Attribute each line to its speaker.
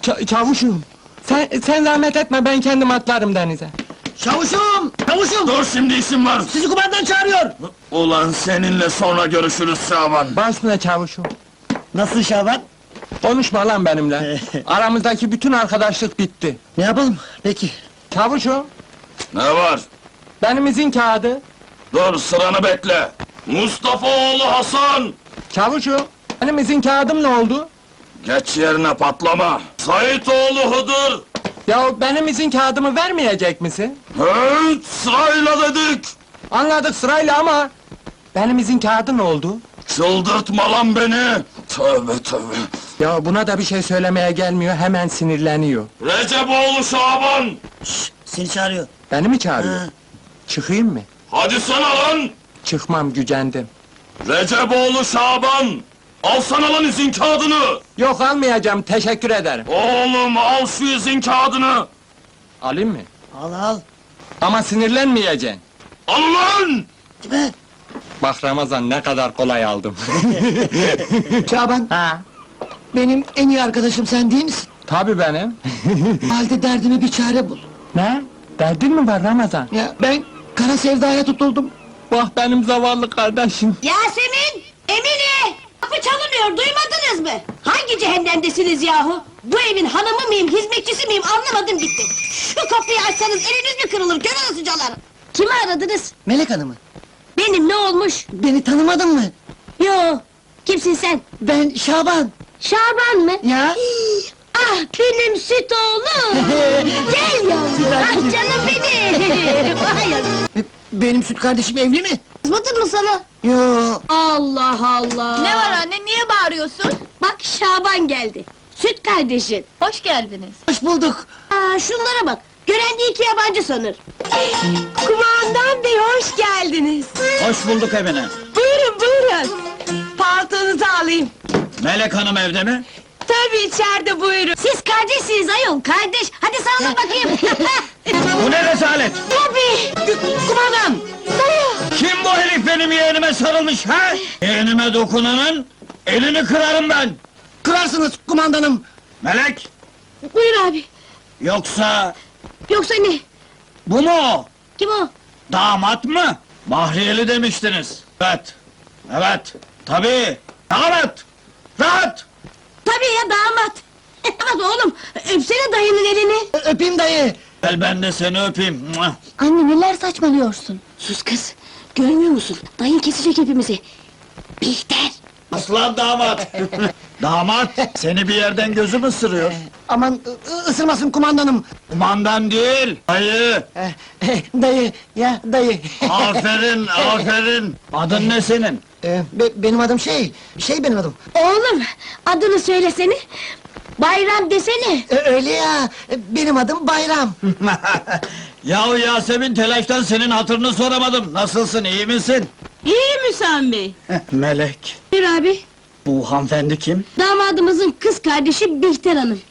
Speaker 1: Çavuşum! Sen zahmet etme, ben kendim atlarım denize.
Speaker 2: Çavuşum! Çavuşum!
Speaker 3: Dur, şimdi işim var!
Speaker 2: Sizi kumandan çağırıyor!
Speaker 3: Ulan seninle sonra görüşürüz Şaban!
Speaker 1: Başına çavuşum!
Speaker 2: Nasıl Şaban?
Speaker 1: Konuşma lan benimle! Aramızdaki bütün arkadaşlık bitti!
Speaker 2: Ne yapalım? Peki.
Speaker 1: Çavuşum!
Speaker 3: Ne var?
Speaker 1: Benim izin kağıdı!
Speaker 3: Dur, sıranı bekle! Mustafa oğlu Hasan!
Speaker 1: Çavuşum! Benim izin kağıdım ne oldu?
Speaker 3: Geç yerine, patlama! Sait oğlu Hıdır!
Speaker 1: Ya benim izin kağıdımı vermeyecek misin?
Speaker 3: Evet, sırayla dedik!
Speaker 1: Anladık sırayla ama... Benim izin kağıdı ne oldu?
Speaker 3: Çıldırtma lan beni! Tövbe tövbe!
Speaker 1: Ya buna da bir şey söylemeye gelmiyor, hemen sinirleniyor.
Speaker 3: Recep oğlu Şaban!
Speaker 2: Seni çağırıyor.
Speaker 1: Beni mi çağırıyor?
Speaker 2: Ha.
Speaker 1: Çıkayım mı?
Speaker 3: Hadi sana lan!
Speaker 1: Çıkmam, gücendim.
Speaker 3: Recep oğlu Şaban! Alsana lan izin kağıdını!
Speaker 1: Yok almayacağım, teşekkür ederim.
Speaker 3: Oğlum, al şu izin kağıdını!
Speaker 1: Alayım mı?
Speaker 2: Al al.
Speaker 1: Ama sinirlenmeyeceksin.
Speaker 3: Al lan!
Speaker 2: Kime?
Speaker 1: Bak Ramazan, ne kadar kolay aldım.
Speaker 2: Şaban,
Speaker 1: Ha?
Speaker 2: benim en iyi arkadaşım sen değil misin?
Speaker 1: Tabii benim.
Speaker 2: O halde derdime bir çare bul.
Speaker 1: Ne? Derdin mi var Ramazan?
Speaker 2: Ya ben kara sevdaya tutuldum.
Speaker 1: Bak benim zavallı kardeşim.
Speaker 4: Yasemin! Emine! Kapı çalınıyor, duymadınız mı? Hangi cehennemdesiniz yahu? Bu evin hanımı mıyım, hizmetçisi miyim anlamadım gitti. Şu kapıyı açsanız eliniz mi kırılır, kör olasıcalar? Kimi aradınız?
Speaker 2: Melek Hanım'ı.
Speaker 4: Benim, ne olmuş?
Speaker 2: Beni tanımadın mı?
Speaker 4: Yo, kimsin sen?
Speaker 2: Ben Şaban.
Speaker 4: Şaban mı?
Speaker 2: Ya?
Speaker 4: Ah, benim süt oğlum! Gel yavrum, ah canım benim! Vay yavrum!
Speaker 2: Benim süt kardeşim evli mi?
Speaker 4: Kızmadın mı sana?
Speaker 2: Yo.
Speaker 4: Allah Allah!
Speaker 5: Ne var anne, niye bağırıyorsun?
Speaker 4: Bak Şaban geldi, süt kardeşin!
Speaker 5: Hoş geldiniz.
Speaker 2: Hoş bulduk.
Speaker 4: Aa, şunlara bak, gören de iki yabancı sanır!
Speaker 5: Kumandan bey, hoş geldiniz.
Speaker 6: Hoş bulduk Emine.
Speaker 5: Buyurun, buyurun. Paltonuzu alayım.
Speaker 6: Melek Hanım evde mi?
Speaker 5: Tabii içeride, buyurun.
Speaker 4: Siz kardeşsiniz ayol, kardeş! Hadi sarılın bakayım!
Speaker 6: Bu ne rezalet?
Speaker 4: Tabii!
Speaker 2: Kumandan!
Speaker 6: Kim bu herif benim yeğenime sarılmış ha? Yeğenime dokunanın elini kırarım ben.
Speaker 2: Kırarsınız kumandanım.
Speaker 6: Melek,
Speaker 4: Buyur abi!
Speaker 6: yoksa
Speaker 4: Yoksa ne?
Speaker 6: bu mu o?
Speaker 4: Kim o?
Speaker 6: Damat mı? Bahriyeli demiştiniz. Evet, evet, tabii. Damat, rahat.
Speaker 4: Tabii ya, damat! Damat oğlum, öpsene dayının elini!
Speaker 2: Öpeyim dayı.
Speaker 6: Gel ben de seni öpeyim. Mua.
Speaker 4: Anne, neler saçmalıyorsun? Sus kız! Görmüyor musun? Dayın kesecek hepimizi! Bihter!
Speaker 6: Aslan damat. Damat, seni bir yerden gözüm ısırıyor.
Speaker 2: Aman ısırmasın kumandanım.
Speaker 6: Kumandan değil, dayı.
Speaker 2: Dayı, ya dayı.
Speaker 6: Aferin, aferin. Adın ne senin?
Speaker 2: Benim adım şey benim adım.
Speaker 4: Oğlum, adını söylesene! Bayram desene!
Speaker 2: Öyle ya, benim adım Bayram.
Speaker 6: Yahu Yasemin, telaştan senin hatırını soramadım. Nasılsın, iyi misin?
Speaker 5: İyi Hüsam bey.
Speaker 6: Melek,
Speaker 4: Buyur abi!
Speaker 6: bu hanımefendi kim?
Speaker 4: Damadımızın kız kardeşi Bihter Hanım.